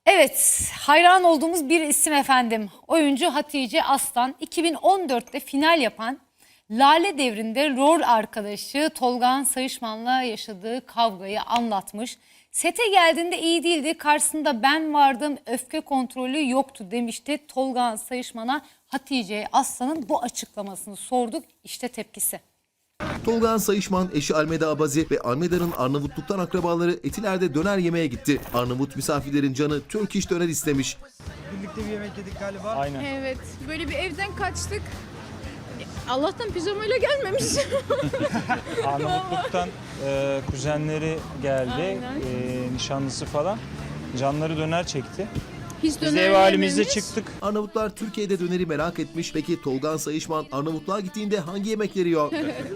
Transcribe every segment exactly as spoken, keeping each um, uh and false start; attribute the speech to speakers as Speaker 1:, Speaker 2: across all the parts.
Speaker 1: Evet, hayran olduğumuz bir isim efendim. Oyuncu Hatice Aslan iki bin on dörtte final yapan Lale Devri'nde rol arkadaşı Tolga Sayışman'la yaşadığı kavgayı anlatmış. Sete geldiğinde iyi değildi, karşısında ben vardım, öfke kontrolü yoktu demişti. Tolga Sayışman'a Hatice Aslan'ın bu açıklamasını sorduk. İşte tepkisi.
Speaker 2: Tolga Sayışman, eşi Almeda Abazi ve Almeda'nın Arnavutluk'tan akrabaları Etiler'de döner yemeye gitti. Arnavut misafirlerin canı Turkish döner istemiş.
Speaker 3: Birlikte bir yemek yedik galiba.
Speaker 4: Aynen.
Speaker 5: Evet, böyle bir evden kaçtık. Allah'tan pijamayla gelmemiş.
Speaker 4: Arnavutluk'tan e, kuzenleri geldi,
Speaker 5: Aynen.
Speaker 4: e, nişanlısı falan. Canları döner çekti.
Speaker 5: Hiç
Speaker 4: Biz
Speaker 5: döner
Speaker 4: de ev halimizde
Speaker 5: yememiş.
Speaker 4: çıktık.
Speaker 2: Arnavutlar Türkiye'de döneri merak etmiş. Peki Tolga Sayışman Arnavutluğa gittiğinde hangi yemekleri yiyor?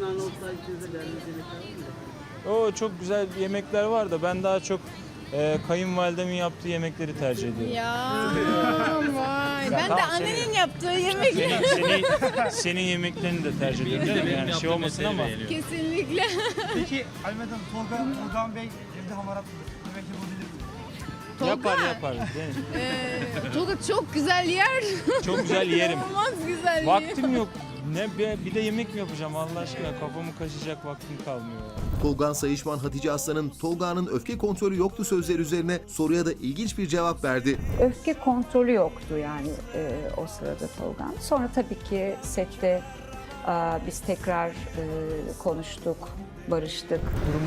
Speaker 4: O çok güzel yemekler var da ben daha çok e, kayınvalidemin yaptığı yemekleri tercih ediyorum.
Speaker 5: Ya vay. Ben de
Speaker 4: tamam,
Speaker 5: annenin
Speaker 4: seni-
Speaker 5: yaptığı yemek.
Speaker 4: Senin, seni, senin yemeklerini de tercih ediyorum. canım. Yani şey olmasın ama.
Speaker 5: Kesinlikle.
Speaker 3: Peki Almeda'm, Tolga, Tolga Bey evde hamarat yemek yapabilir mi?
Speaker 5: Tolga.
Speaker 4: Yapar yapar. Değil mi?
Speaker 5: Ee, Tolga çok güzel yer.
Speaker 4: Çok güzel yerim.
Speaker 5: Olmaz güzel yer.
Speaker 4: Vaktim yok. Ne bir, bir de yemek mi yapacağım Allah aşkına, kafamı kaşıyacak vaktim kalmıyor ya.
Speaker 2: Tolga Sayışman Hatice Aslan'ın Tolga'nın öfke kontrolü yoktu sözleri üzerine soruya da ilginç bir cevap verdi.
Speaker 6: Öfke kontrolü yoktu yani e, o sırada Tolga'nın. Sonra tabii ki sette e, biz tekrar e, konuştuk, barıştık.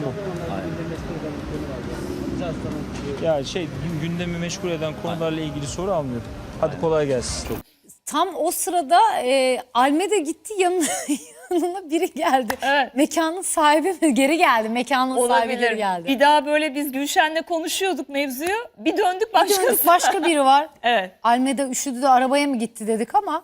Speaker 4: Ya şey gün- gündemi meşgul eden konularla ilgili soru almıyorduk. Hadi kolay gelsin.
Speaker 1: Tam o sırada e, Almeda gitti, yanına, yanına biri geldi.
Speaker 7: Evet.
Speaker 1: Mekanın sahibi mi? Geri geldi. Mekanın sahibi geri geldi.
Speaker 7: Bir daha böyle biz Gülşen'le konuşuyorduk mevzuyu. Bir döndük başka.
Speaker 1: Döndük, başka biri var.
Speaker 7: Evet.
Speaker 1: Almeda üşüdü de arabaya mı gitti dedik ama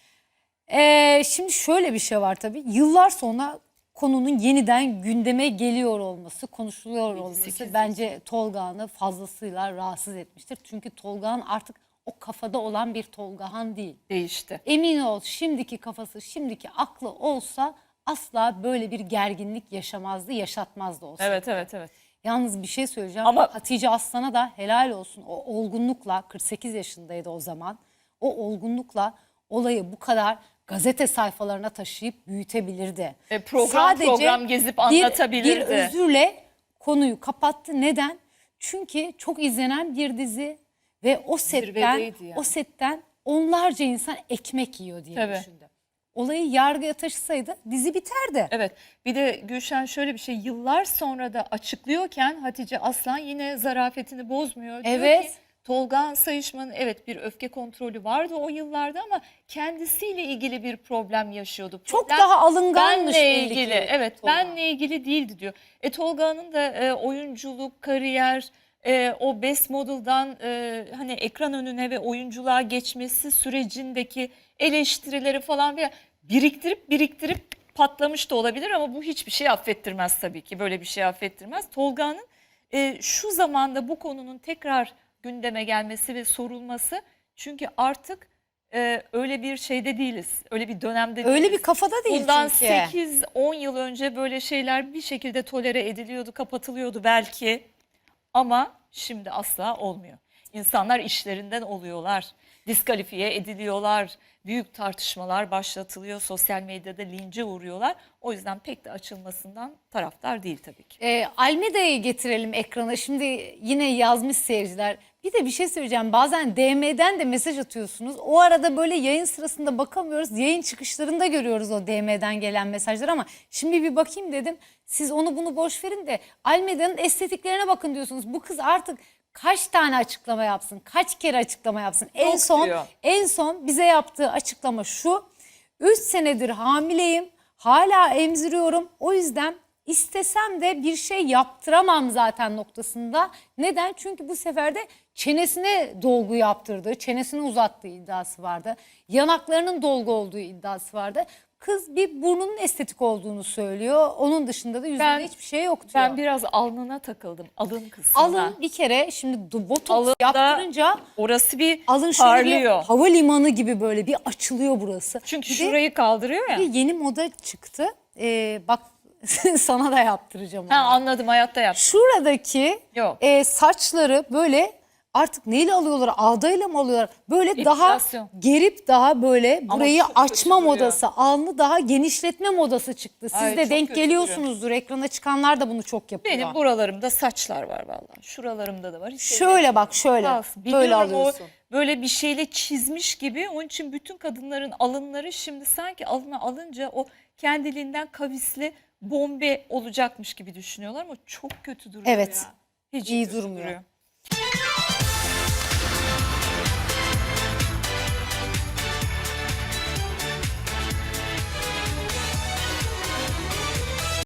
Speaker 1: e, şimdi şöyle bir şey var tabii. Yıllar sonra konunun yeniden gündeme geliyor olması, konuşuluyor olması bence Tolga'nı fazlasıyla rahatsız etmiştir. Çünkü Tolga'nın artık o kafada olan bir Tolgahan değil.
Speaker 7: Değişti.
Speaker 1: Emin ol, şimdiki kafası, şimdiki aklı olsa asla böyle bir gerginlik yaşamazdı, yaşatmazdı olsa.
Speaker 7: Evet evet evet.
Speaker 1: Yalnız bir şey söyleyeceğim.
Speaker 7: Ama-
Speaker 1: Hatice Aslan'a da helal olsun. O olgunlukla, kırk sekiz yaşındaydı o zaman. O olgunlukla olayı bu kadar gazete sayfalarına taşıyıp büyütebilirdi.
Speaker 7: E, program program gezip anlatabilirdi.
Speaker 1: Bir, bir özürle konuyu kapattı. Neden? Çünkü çok izlenen bir dizi ve o setten,
Speaker 7: Zirvedeydi yani.
Speaker 1: o setten onlarca insan ekmek yiyor diye
Speaker 7: Tabii.
Speaker 1: düşündü. Olayı yargıya taşısaydı dizi biterdi.
Speaker 7: Evet. Bir de Gülşen şöyle bir şey, yıllar sonra da açıklıyorken Hatice Aslan yine zarafetini bozmuyor. Diyor
Speaker 1: Evet.
Speaker 7: ki, Tolga Sayışman'ın evet bir öfke kontrolü vardı o yıllarda ama kendisiyle ilgili bir problem yaşıyordu.
Speaker 1: Çok
Speaker 7: Problem
Speaker 1: daha alınganmış
Speaker 7: benle
Speaker 1: belli
Speaker 7: ilgili.
Speaker 1: ki
Speaker 7: Evet,
Speaker 1: Tolga.
Speaker 7: benle ilgili değildi diyor. E Tolga'nın da e, oyunculuk, kariyer, e, o best model'dan e, hani ekran önüne ve oyunculuğa geçmesi sürecindeki eleştirileri falan veya biriktirip biriktirip patlamış da olabilir ama bu hiçbir şey affettirmez tabii ki. Böyle bir şey affettirmez. Tolga'nın e, şu zamanda bu konunun tekrar gündeme gelmesi ve sorulması, çünkü artık e, öyle bir şeyde değiliz. Öyle bir dönemde değiliz.
Speaker 1: Öyle bir kafada değil
Speaker 7: Bundan
Speaker 1: çünkü.
Speaker 7: sekiz on yıl önce böyle şeyler bir şekilde tolere ediliyordu, kapatılıyordu belki. Ama şimdi asla olmuyor. İnsanlar işlerinden oluyorlar, diskalifiye ediliyorlar, büyük tartışmalar başlatılıyor, sosyal medyada lince uğruyorlar. O yüzden pek de açılmasından taraftar değil tabii ki.
Speaker 1: E, Almeda'yı getirelim ekrana. Şimdi yine yazmış seyirciler. Bir de bir şey söyleyeceğim. Bazen D M'den de mesaj atıyorsunuz. O arada böyle yayın sırasında bakamıyoruz. Yayın çıkışlarında görüyoruz o D M'den gelen mesajları ama şimdi bir bakayım dedim. Siz onu bunu boş verin de Almeda'nın estetiklerine bakın diyorsunuz. Bu kız artık kaç tane açıklama yapsın? Kaç kere açıklama yapsın? En son
Speaker 7: diyor.
Speaker 1: en son bize yaptığı açıklama şu. üç senedir hamileyim. Hala emziriyorum. O yüzden istesem de bir şey yaptıramam zaten noktasında. Neden? Çünkü bu sefer de çenesine dolgu yaptırdığı, çenesini uzattığı iddiası vardı. Yanaklarının dolgu olduğu iddiası vardı. Kız bir burnunun estetik olduğunu söylüyor. Onun dışında da yüzünde
Speaker 7: Ben-
Speaker 1: hiçbir şey yok diyor.
Speaker 7: Ben biraz alnına takıldım, alın kısmına.
Speaker 1: Alın bir kere şimdi du- botoks
Speaker 7: Alında
Speaker 1: yaptırınca
Speaker 7: orası bir
Speaker 1: alın şöyle bir
Speaker 7: parlıyor.
Speaker 1: havalimanı gibi böyle bir açılıyor burası.
Speaker 7: Çünkü
Speaker 1: Bir de-
Speaker 7: şurayı kaldırıyor ya.
Speaker 1: Bir yeni moda çıktı. Ee, bak sana da yaptıracağım onu.
Speaker 7: Ha, anladım, hayatta yap.
Speaker 1: Şuradaki
Speaker 7: Yok.
Speaker 1: e, saçları böyle artık neyle alıyorlar? Ağdayla mı alıyorlar? Böyle daha
Speaker 7: Epilasyon.
Speaker 1: gerip daha böyle
Speaker 7: Ama
Speaker 1: burayı
Speaker 7: çok kötü
Speaker 1: açma
Speaker 7: duruyor.
Speaker 1: modası, alnı daha genişletme modası çıktı. Siz
Speaker 7: Ay,
Speaker 1: de
Speaker 7: çok
Speaker 1: denk
Speaker 7: kötü
Speaker 1: geliyorsunuzdur. Ekrana çıkanlar da bunu çok yapıyor.
Speaker 7: Benim buralarımda saçlar var vallahi. Şuralarımda da var. Hiç
Speaker 1: Şöyle bak şöyle.
Speaker 7: Kalsın.
Speaker 1: Böyle
Speaker 7: Biliyorum
Speaker 1: alıyorsun.
Speaker 7: o böyle bir şeyle çizmiş gibi. Onun için bütün kadınların alınları şimdi sanki alına alınca o kendiliğinden kavisli bombe olacakmış gibi düşünüyorlar ama çok kötü duruyor
Speaker 1: Evet.
Speaker 7: ya. Hiç
Speaker 1: İyi
Speaker 7: kötü
Speaker 1: durmuyor.
Speaker 7: duruyor.